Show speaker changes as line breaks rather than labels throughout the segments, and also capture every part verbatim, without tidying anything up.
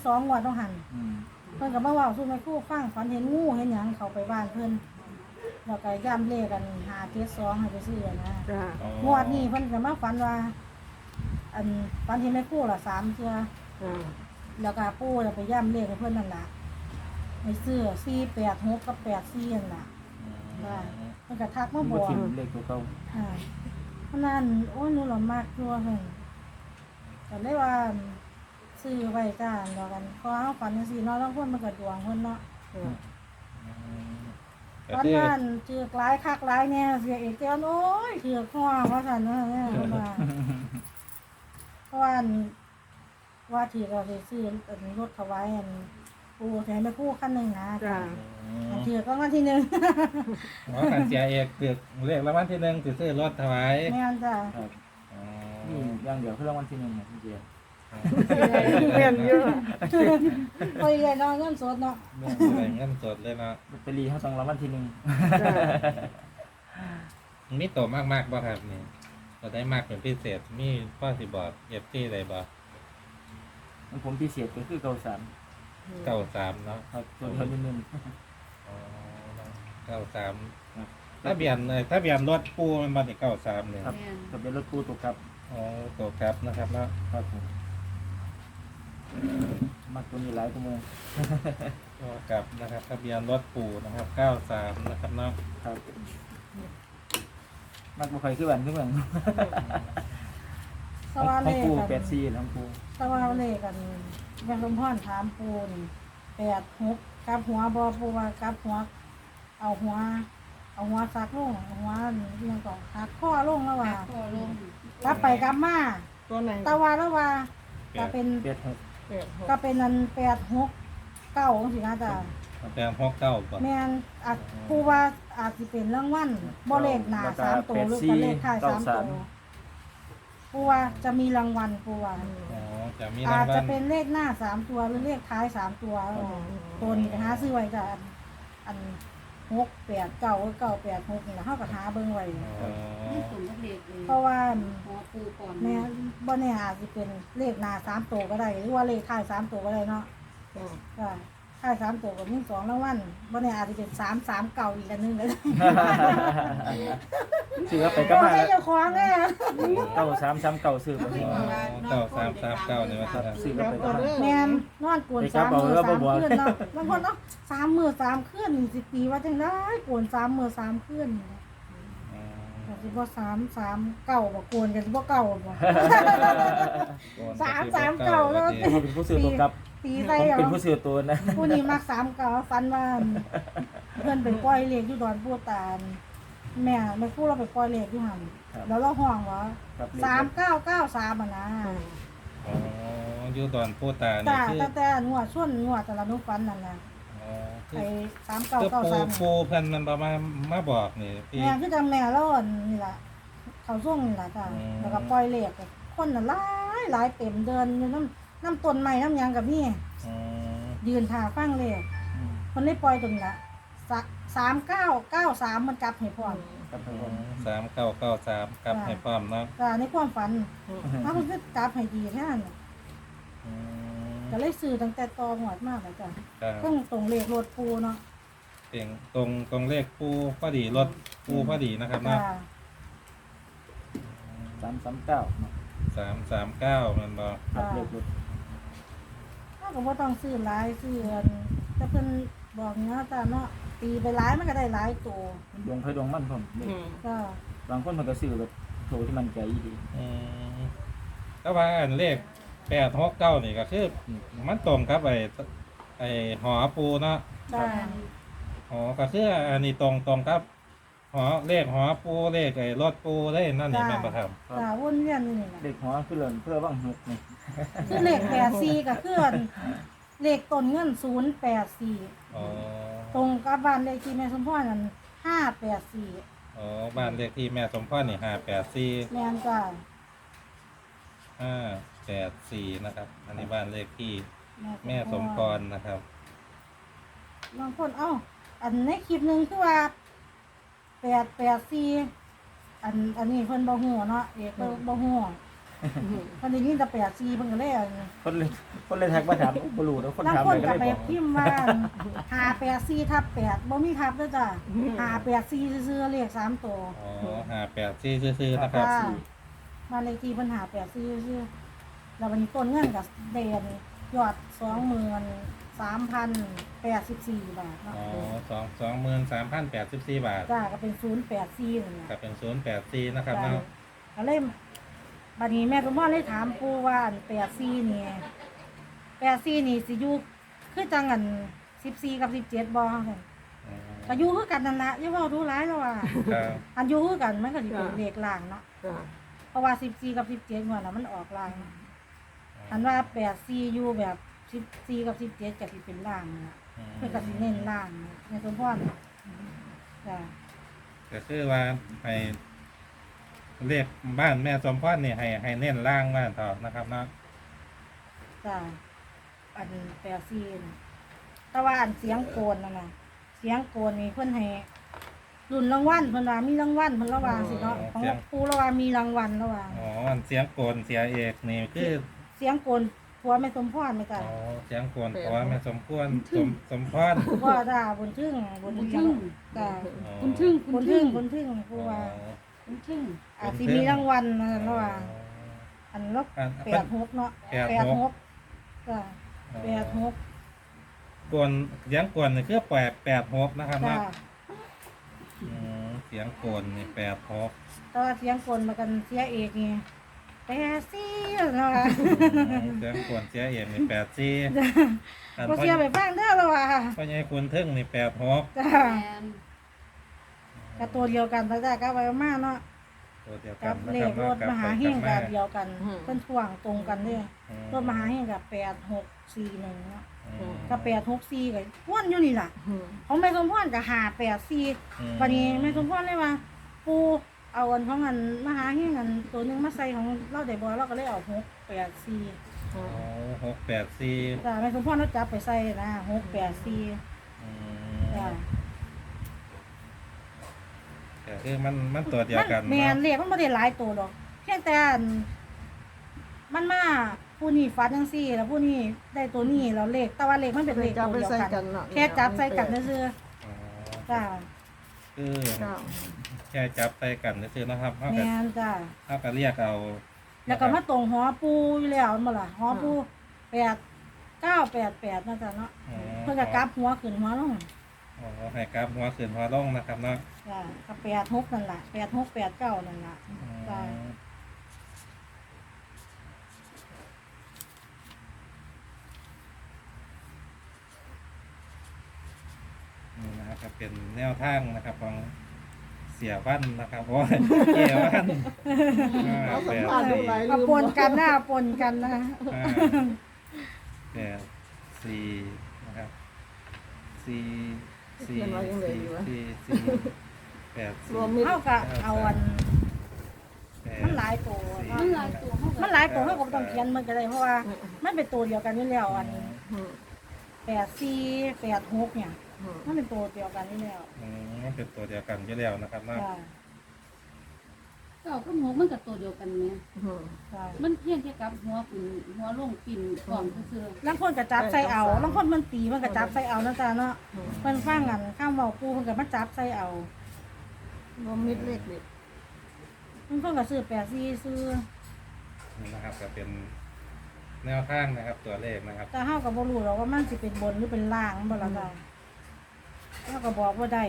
สองงวดต้องหัน
อืม
เพิ่นก็มาเว้าสู่แม่ครูฟังฝันเห็นงูเห็นหยังเข้าไปบ้านเพิ่นแล้วก็ย่ำเลขกันหาเจ็ดสองให้ไปซื้อนะ
จ้าง
วดนี้เพิ่นก็มาฝันว่าอันฝันเห็นแม่ครูละสามเทื่อ
จ้า
แล้วก็ปู่จะไปย่ำเลขให้เพิ่นนั่นล่ะไปซื้อสี่แปดหกกับแปดสี่นั่นล่ะว่าเพิ่นก็ทักมาบ
บ่
อก
ทิ่มเลขตัวเก่า
อ่าเพราะนั้นโอ้ยหนูหล่อมากตัวเพิ่นก็เลยว่าซื้อไว้จ้าแล้วกันพอเฮาฝันจังซี่เนาะแล้วเพิ่นมันก็ดวงเพิ่นเนาะ
ก็
ตอน
คือ
นั้นเจือกหลายคักหลายแน่เสียเอกเจ้าโอ้ยเถือกหัวว่าซั่นเนาะเนี่ยว่าเพราะว่าอันว่าที่เราสิซื้ออันรถถวายอันปู่แถมไปคู่คันหนึงนะ
จ้า
อันเถือกรางวัลที่หนึ่ง
หมอกันเสียเอกเกือกเลขรางวัลที่หนึ่งสิซื้อรถถวาย
แม่นจ้ะ
ครับ
อ๋อ
นี่อย่างเดียวคือรางวัลที่หนึ่งเนี่ยพี่เจีย
เรียนเยอะ
โอ้ยเลยเนาะเงินสดเนาะ
เรื่องอะไรเงินสดเลยเนาะ
ลอตเตอรี่เขาต้องรางวัลที่หนึ่ง
จ้า
มีโตมากมากๆบ่ครับนี่ก็ได้มากเป็นพิเศษมีพ่อสิบอกเอฟซีอะไรบ่
มันผมพิเศษก็คือเก้าสาม
เก้าสามเนาะ
ครับตัวเท่านิดนึง
อ๋อเก้าสามถ้าเบียนเลยถ้าเบียนรถปูมันมาที่เก้าสามเลย
ครับทะเบียนรถปูตัวครับ
อ๋อตัวครับนะครับเนาะ
ครับผมมักตัวนี้หลายตัวเมือง
ตัวกลับนะครับทะเบียนรถปูนะครับเก้าสามนะครับเนาะ
ครับมักบ่ค่อยคือบ้านคือเมือง
สว่า
ข
เล
อง
ข
ปู
กัน
แปดสี่ของปู
สว่าเลขกันแม่สมพรถามปูนี่แปดหกกลับหัวบ่ปูว่ากลับหัว เอาหัว เอาหัวซักลงเอาหัวนี่เรื่องก่อนหักข้อลงแล้วว่า
ก็ลง
กลับไปกลับมา
ตัวไหน
ตะวันแล้วว่าก็เป็น
แปดหก
แปดหก
ก็เป็นนันแปดหกเก้าสินะจ๊ะ
แปดหกเก้าป่ะ
แม่นอาจผู้ว่าอาจสิเป็นรางวัลบ่เลขหน้าสามตัวหรือก็เลขท้ายสามตัวผู้ว่าจะมีรางวัลผู้ว่า
อ๋อจะมี
อา
รา
จ
งวั
จะ
ล
เป็นเลขหน้าสามตัวหรือเลขท้ายสามตัวตัวนี้ก็หาซื้อไว้จ้ะอันอันหกแปดเก้าเก้าแปดหกนี่ล่ะเฮาก็หาเบิ่งไว้
อ๋อ
นี่ตุ่มทะเลเลย
เพราะว่า
หัวปูก่อน
แม่บ่แน่อาจสิเป็นเลขหน้าสามตัวก็ได้หรือว่าเลขท้ายสามตัวก็ได้เนาะ
จ้า
ก็ท้ายสามตัวก็มีสองรางวัลบ่แน่อาจสิเป็นสามสามเก้าอีกอันหนึงก็ได้
ซื้อไปก็
ก็
มา
ให้เจ้าของแน่
เก้าสามสามเก้าซื้อไป
อ๋อเก้าสามสามเก้าเนี่ยว่าจะ
ซื้อไปก็มา
แม่นนอนกวนสามมื้อสามคืนเนาะบางคนเนาะสามมื้อสามคืนนี่สิตีว่าจังได๋กวนสามมื้อสามคืนนี่ก็สิบ่สามสามเก้าบ่กวนกันสิบ่เก้าบ่ สามสามเก้าแล้ว
เขาเป็นผู้ซื้อตัวครับ
ตี
ผ
ใส่
ม
เอา
เป็นผู้ซื้อตัวนะ
ผู้นี้มักสามเก้าฟันว่าเพิ่นไปปล่อยเลขอยู่ดอนปูตาลแม่แม่ครูเราไปปล่อยเลขอยู่หั่นแล้วเราห้องว่า
ครับ
สามเก้าเก้าสามอ่ะนะ
อ๋ออยู่ดอนปูตานี่
จ้า
คือ
แต่แต่งวดส่วนงวดแต่ละนุฟันนั่นน่ะ
อ๋อคื
ไป
อ
สามเก้า
คือ
เก้า
ปู
สาม
ปูเพิ่นมันประมาณมาบอกนี่พี่
แม่คือจังแม่เราอันนี่ล่ะเขาส่งนี่ล่ะจ้า
อืม
แล้วก็ปล่อยเลขคนน่ะหลายหลายเต็มเดินอยู่น้ำน้ำต้นไม้น้ำหยังกับนี่
อืม
ยืนท่าฟังเลข
อืม
คนได้ปล่อยตรงนี้ละสามเก้าเก้าสามมันกลับให้พร้อม
ครับผ
อื
ม
มสามเก้าเก้าสามกลับให้พร้อมเนาะ
แต่ในความฝันถ้ามันก็กลับให้ดีแค่นั้น
อืม
ก็เลยซื้อตั้งแต่ตอหวดมากเลยจ้ะ
ครับ
เครื่องตรงเลขรถปูเนาะ
เสียงตรงตรงเลขปูพอดีรถปูพอดีนะครับ
จ้า
เนาะ
สามสามเก้า
สามสามเก้ามันบอก
ครับเลขรถ
ถ้าก็บ่ต้องซื้อหลายซื้ออันแต่เพิ่นบอกเนาะจ้าเนาะตีไปหลายมันก็ได้หลายตัว
ดวงไฟดวงมันผมเลข
ก็
บางคนมันก็ซื้อแบบโถที่มันใจดี
อืมก็ว่าอันเลขแปดหกเก้านี่ก็คือมันตรงกับไอ้ไอ้หอปูเนาะ
จ้า
หอก็คืออันนี้ตรงตรงกับหอเลขหอปูเลขไอ้รถปูได้นั่นนี่แม่นประทับ
จ้าวนเวียนอยู่นี่แหละ
เลขหัวคือเลินเพื่อว่างหกนี่
คือเลขแปดสี่ก็คืออันเลขต้นเงินศูนย์แปดสี่
อ๋อ
ตรงกับบ้านเลขที่แม่สมพรนั่นห้าแปดสี่
อ๋อบ้านเลขที่แม่สมพรนี่ห้าแปดสี่
แม่นจ้า
ห้าแปดสี่นะครับ อันนี้บ้านเลขที่แม่สมพรนะครับ
บางคนเอ้าอันในคลิปหนึ่งคือว่าแปดแปดสี่อันอันนี้เพิ่นบ่ฮู้เนาะเอกเพิ่นบ่ฮู้คนได้ยินแต่แปดสี่เพิ่นก็เลยอัน
คนเลยคนเลยแท็กมาถามบ่รู้แล้วคน
บาง
ถาม
คน
เลยก็
ก็
เลย
ไป
บอก
พิมพ์ว่าหาแปดสี่ทับแปดบ่มีทับเด้อจ้ะหาแปดสี่ซื่อๆเลขสามตัว
อ๋อห้าแปดสี่ซื่อๆนะครับ
ค่ะบ้านเลขที่เพิ่นหาแปดสี่ซื่อๆแล้ววันนี้ต้นเงินก็เด่นยอดสองหมื่นสามพันแปดสิบสี่บาทเนาะ
อ๋อสองสองหมื่นสามพันแปดสิบสี่บาท
จ้าก็เป็นศูนย์แปดสี่นั่นแหละ
กับเป็นศูนย์แปดสี่นะครับ
จ้ะ
เนาะ
ก็เลยบัดนี้แม่สมพรเลยถามปู่ว่าอันแปดสี่นี่แปดสี่นี่สิอยู่คือจังอันสิบสี่กับสิบเจ็ดบ่ซั่น
อืม
ก็อยู่คือกันนั่นละอย่าเว้าดูร้ายแล้วว่า
ครับ
อันอยู่คือกันมันก็สิเป็นเลขล่างเนาะ
จ้ะ
เพราะว่าสิบสี่กับสิบเจ็ดงวดน่ะมันออกล่างอันว่าแปดสี่อยู่แบบสิบสี่กับสิบเจ็ดก็สิเป็นล่างน่ะ
อืม
เพิ่นก็สิเน้นล่างแม่สมพรจ้ะ
ก็คือว่าให้เรียกบ้านแม่สมพรนี่ให้ให้เน้นล่างบ้านเถอะนะครับเนาะ
จ้ะอันแปดสี่น่ะแต่ว่าอันเสียงโกนนั่นน่ะเสียงโกนนี่เพิ่นให้รุ่นรางวัลเพิ่นว่ามีรางวัลเพิ่นระวางสิเนาะของปู่ระวางมีรางวัลระวาง
อ๋ออันเสียงโกนเสียเอกนี่คือ
เสียงโกนผัวแม่สมพรไหมจ้ะ
อ๋อเสียงโกนเพราะว่าแม่สมควรสมสมพร
พ่อด่าบนทึ่งบน
บุญ
ทึ่
ทึ่
ง
ง
จ้ะ
อ๋อ
บุญทึ่ง
บนทึ่งบนทึ่งผู้ว่า
บุญทึ่ง
อาจสิมีรางวัลนะระหว่างอันลบ
อัน
แปดหกเนาะ
แปด
แป
ห
ด
ก
หกจ้ะแปดหก
กวนเสียงกวนนี่คือแปดแปดหกนะครับ
จ้ะ
เนาะอืมเสียงกวนนี่แปดหก
แต่ว่าเสียงกลมากันเสียเอกนี่แปดสี่เนาะ
เสียงกวนเสียเอกนี่แปดสี่อัน
ก็
พ่อ
เสียไปบ้างเด้อละว่า
พ่อใหญ่คุณทึ่งนี่แปดหก
จ้ะ
แอน
กับตัวเดียวกันตั้งแต่ก็ไว้มากเนาะ
ตัวเดียวกั
กัน บ
นะ
เล
ครับ
ขร
เนาะ
ถ
กับ
มหา
ไป
เฮ
กับ
ง
มา
กับเดียวกันเพิ่นท่วงตรงกันเด้อ
อืม
รถมหาเฮงกับแปดหกสี่หนึ่งเนาะ
อืม
กับแปดหกสี่กับว่นอยู่นี่ล่ะ
อืม
ของแม่สมพรกับหาแปดสี่
อืม
วันนี้แม่สมพรเลยว่า ปูเอาอันของอันมหาเฮงอันตัวหนึงมาใส่ของเราได้บ่เราก็เลยเอาหกแปดสี่
อ๋อหกแปดสี่
จ้ะแม่สมพรเราจับไปใส่นะหกแปดสี่
อืม
จ้ะ
ก็คือมันมันตัวเดียวกัน
แม่น
เนาะ
เลขมันบ่ได้หลายตัวหรอกเพียงแต่อันมันมาผู้นี้ฟัดจังซี่ แล้วผู้นี้ได้ตัวนี้แล้วเลขแต่ว่าเลขมันเป็นเลข
จับ
ตัว
ไป
เดียว
ใส่
กั
กัน
น
เนาะ
แค่จับใส่กันซื่อ
อ๋อ
ๆจ้ะ
คือ
เจ้า
แค่จับใส่กันซื่อๆนะครับเท่ากับ
แม่นจ้ะ
เท่ากับเรียกเอา
แล้วก็มาตรงหอปูอยู่แล้วมาล่ะหอปูแปดเก้าแปดแปดนะจ๊ะเนาะ
อ๋อ
เพื่อจะกลับหัวขึ้นหัวลง
อ๋อให้กราฟหัวขึ้นหัวลงนะครับเนาะ
จ้ะก็แปดหกนั่นล่ะแปดหกแปดเก้านั่นล่ะ
อืม
จ้ะ
นี่นะครับก็เป็นแนวทางนะครับของเสียวันนะครับโอ้ยเกี่ยวันห้า
เอาสั
แป
ม
ด
ภาษณ์
สี่
หลาย
เอาปนกันนะเอาปนกันนะ
ห้าแปดสี่นะครับสี่สี่สี่สี่สี่แปด
ร
สี่
วมมิตร
เท่ากับเอาอัน
แปด
มันหลายตัวเนาะ
มันหลายตัวเขา
มันหลายตัวเขาก็บ่ต้องเขียนมันก็ได้เพราะว่ามันเป็นตัวเดียวกันอยู่แล้วอัน
อืม
แปดสี่แปดหกเนี่ย
อืม
มันเป็นตัวเดียวกันอยู่แล้ว
อืมมันเป็นตัวเดียวกันอยู่แล้วนะครับเนาะ
จ้ะ
เก้ากับหัวมันกับตัวเดียวกันเนี่ย
อืม
จ้ะ
มันเพียงแค่กับหัวปิ่นหัวลงปิ่นก่อนซื่อ
ลางคนก็จับใส่เอาลางคนมันตีมันก็จับใส่เอานะจ๊ะเนาะ
อืม
เพิ่นฟังกันข้ามเว้าปูเพิ่นก็มาจับใส่เอา
รวมมิตรเล็กเด็ก
เพิ่นก็ซื้อแปดสี่ซื้อ
นี่นะครับก็เป็นแนวทางนะครับตัวเลขนะครับ
แต่เฮาก็บ่รู้หรอกว่ามันสิเป็นบนหรือเป็นล่างบ่ล่ะจ้ะเฮาก็บอกว่าได้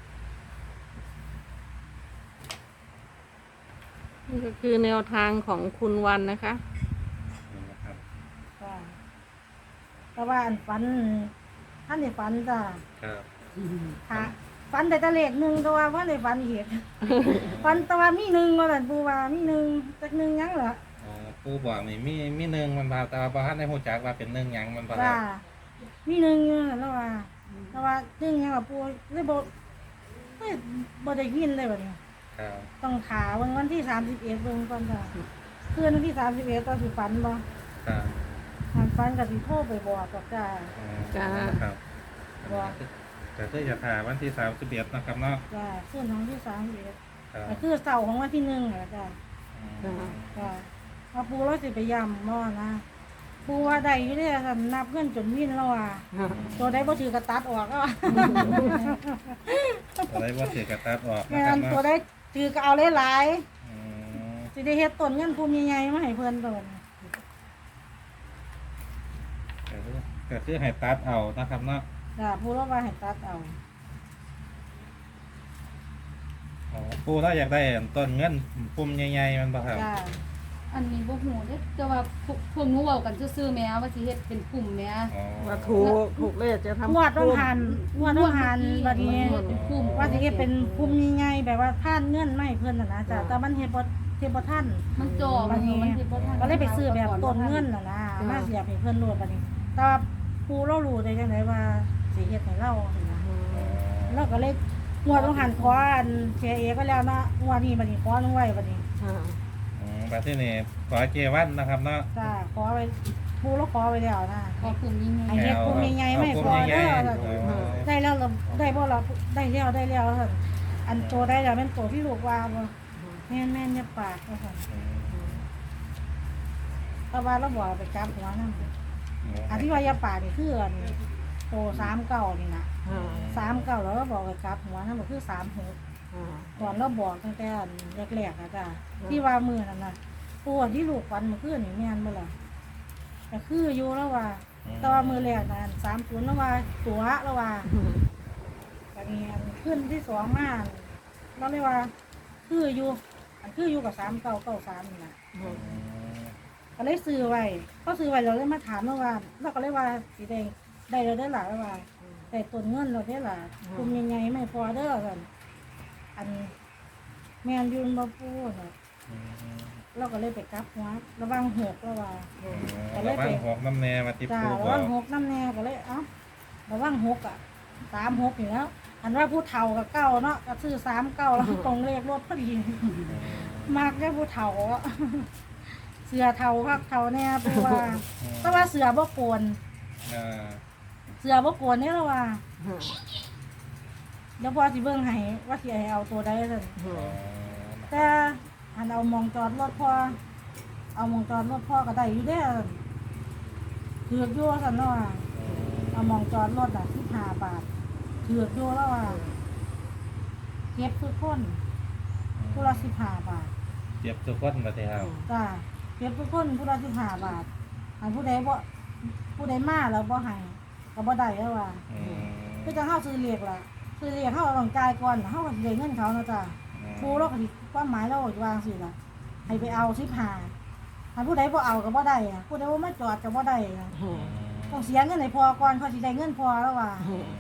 นี่ก็คือแนวทางของคุณวันนะคะ
นี่นะครับ
จ้ะแต่ว่าอันฝันท่านได้ฝันจ้ะ
ครับ
ๆ
ค่ะฝันแต่ตะเลขหนึงแต่ว่าบ่ได้ฝันอีก ฝันแต่ว่ามีหนึ่งว่าซั่นปูว่ามีหนึ่งจักหนึ่งหยังเหรอ
อ๋อผู้บอกนี่มีมีหนึ่งมันพาตาประหันในหูจักว่าเป็นหนึ่งหยังมันพา
จ้ะมีหนึ่งอยู่นั่นแล้วว่าแต่ว่าหนึ่งหยังล่ะปูเลยบ่เฮ้ยบ่ได้ยินเลยบัดนี้
ครับ
ต้องขาเบิ่งวันที่สามสิบเอ็ดเบิ่งก่อนจ้ะคืนวันที่สามสิบเอ็ดตอนสิฝันบ่
ครับ
ทางฝันก็สิโทรไปบอกกับจ้า
อ๋อ
จ้า
ครับ
ว่า
แต่ถ้าจะถ่ายวันที่สามสิบเอ็ดนะครับเนาะ
จ้าคืนของที่สามสิบเอ็ด
ครับ
ก็คือเสาร์ของวันที่หนึ่งแหละจ้า
อืม
จ้าว่าปูเราสิไปย่ำบ่นะปูว่าได้อยู่เด้ท่านนับเงินจนวินแล้วอ่ะตัวใดบ่ถือกระตัดออกก็
อะไรว่าเสียกระตัดออกนะ
แม่
ครับ
นตัว
เนาะ
ใดถือก็เอาหลาย
อืม
ๆสิได้เฮ็ดต้นเงินภูมิใหญ่ๆมาให้เพิ่นโดน
ก็คือก็คือให้ตัดเอานะครับเนาะ
จ้ะปูเราว่าให้ตัดเอา
อ๋อปูเราอยากได้ต้นเงินปุ่มใหญ่ๆมันบ่ครับ
จ้ะ
อันนี้บ่ฮู้เด้แต่ว่าพวกพวกหนูเว้ากันซื่อๆแหม่ว่าสิเฮ็ดเป็นกลุ่มแหม่
อ๋อ
ว่าถูกถูกเลขจะทำ
งวดต้องหันงวดต้องหันบัดนี้
เป็นกลุ่ม
ว่าสิเฮ็ดเป็นภูมิใหญ่ๆแบบว่าท่านเงินมาให้เพิ่นน่ะนะจ้ะแต่มันเฮ็ดบ่เฮ็ดบ่ทัน
มันจ่อ
บั
มั
ด
น
นี้
มันเฮ็ดบ่ทัน
ก็เลยไปซื้อแบบต้นเงินน่ะนะมาเสียบให้เพิ่นโลดบัดนี้ แต่ว่าปูเรารู้ได้จังไดว่าสิเฮ็ดให้เราสินะเราก็เลยงวดต้องหันขออันเชเอก็แล้วนะงวดนี้บัดนี้ขอลงไว้บัดนี้
อ่า
อืมแบบที่นี่ขอเจวันนะครับเนาะ
จ้าขอไว้ปูเราขอไว้แล้วนะ
ขอกลุ่มยิ่ง
ไอ้เฮ็ดกลุ่มใหญ่ๆไม่พอเด้อ ได้แล้วเราได้บ่เราได้แล้วได้แล้วซั่นอันโตได้แล้วแม่นโตที่ลูกว่าบ่แม่นแม่นอย่าปากว่าซั่นแต่ว่าเราบอกไปจับหัวนำอันที่ว่าอย่าปากนี่คืออันโตสามเก้านี่นะ
อ่า
สามเก้าแล้วเราบอกไปจับหัวนำก็คือสามหก
อ่า
ตอนเราบอกตั้งแต่อันแรกๆอ่ะจ้ะที่ว่ามื้อนั้นน่ะตัวที่ลูกฝันเมื่อคืนนี่แม่นบ่ล่ะก็คืออยู่แล้วว่าแต่ว่ามื้อแรกนั้นสามศูนย์แล้วว่าตัวแล้วว่า อันนี้อันขึ้นที่สองมาเราเรียกว่า คืออยู่อันคืออยู่กับสามเก้าเก้าสามนี่นะก็เลยซื้อไว้เขาซื้อไว้เราเลยมาถามเมื่อวานเราก็เลยว่าสีแดงได้เราได้หลายว่าแต่ต้นเงินเราได้หลายคุมยังไงไม่พอเด้อกันอันแมนยูนมาพูดน่ะเราก็เลยไปกลับหัวระวังหกระว่า
ระวังหกน้ำแน่มาติด
จ้า
ปู
ระ
บอ
วั
ก
งหกน้ำแน่ก็เลยเอ้าระวังหกอ่ะสามหกอยู่แล้ว อันว่าผู้เฒ่ากับเก้าเนาะก็ซื้อสามเก้าแล้วตรงเลขรถพอดี มากได้ผู้เฒ่าอะ เสือเฒ่าคักเฒ่าแน่ปูว่าแต่ว่าเสือบ่โกน
อ่า
เสือบ่โกนนี่ละว่าเดี๋ยวพอสิเบิ่งให้ว่าสิให้เอาตัวใดซั่น
อ๋อ
แต่อันเอามองจอดรถพอเอามองจอดรถพ่อก็ได้อยู่เด้อถือกอยู่ซั่นเนาะว่าเอามองจอดรถอ่ะสิบห้าบาทถือกอยู่แล้วว่าเก็บทุกคนผู้ละสิบห้าบาท
เจ็บทุกคนมาทีครับ
จ้าเก็บทุกคนผู้ละสิบห้าบาทอันผู้ใดบ่ผู้ใดมาแล้วบ่ให้ก็บ่ได้แล้วว่า
อืม
คือจังเฮาซื้อเลขล่ะซื้อเลขเฮาต้องจ่ายก่อนเฮาก็สิได้เงินเขาเนาะจ้าครูเราก็สิความหมายเราก็สิวางสิล่ะให้ไปเอาสิบห้าอันผู้ใดบ่เอาก็บ่ได้อะผู้ใดบ่มาจอดก็บ่ได้อะต้องเสียเงินให้พอก่อนเขาสิได้เงินพอแล้วว่า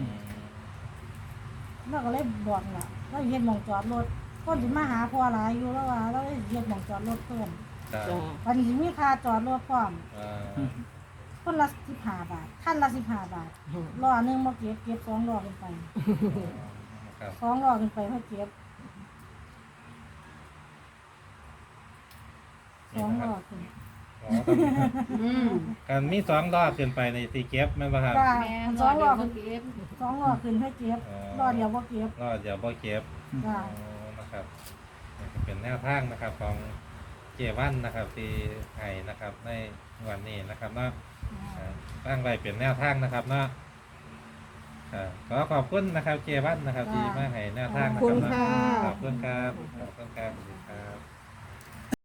เราก็เลยบอกล่ะเราเฮ็ดหม่องจอดรถคนสิมาหาพอหลายอยู่แล้วว่าเราเลยเฮ็ดหม่องจอดรถเพิ่ม
ครับ
จ้า
วันนี้มีค่าจอดรถพร้อม
อ่า
คนละสิบห้าบาทท่านละสิบห้าบาทล้อหนึงมาเก็บเก็บสองล้อขึ้นไป
ครับ
สองล้อขึ้นไปมาเก็บสองล้อขึ้น
อ๋อต้อง
อืม
การมีสองรอบขึ้นไปในตีเก็บแม่นบ่ครับ
จ้า
แม่
ส
ร
อ
อง เดี๋
ล้
ย
อ
ว
ขึ้น
เก็บ
สองล้อขึ้นให้เก็บล้อเดียวบ่เก็บ
รอดเดี๋ยวบ่เก็บ
จ้า
อ๋อนะครับนี่ก็เป็นแนวทางนะครับของเจวันนะครับที่ไห้นะครับในวันนี้นะครับเนาะอ่าตั้งไว้เป็นแนวทางนะครับเนาะอ่าขอขอบคุณนะครับเจวันนะครับที่มาให้แนวทางนะ
ขอบ
ค
คุ
รับ
ณ
เนาะ
ค่ะ
ขอบคุณครับขอบคุณครับสวัสดีครับ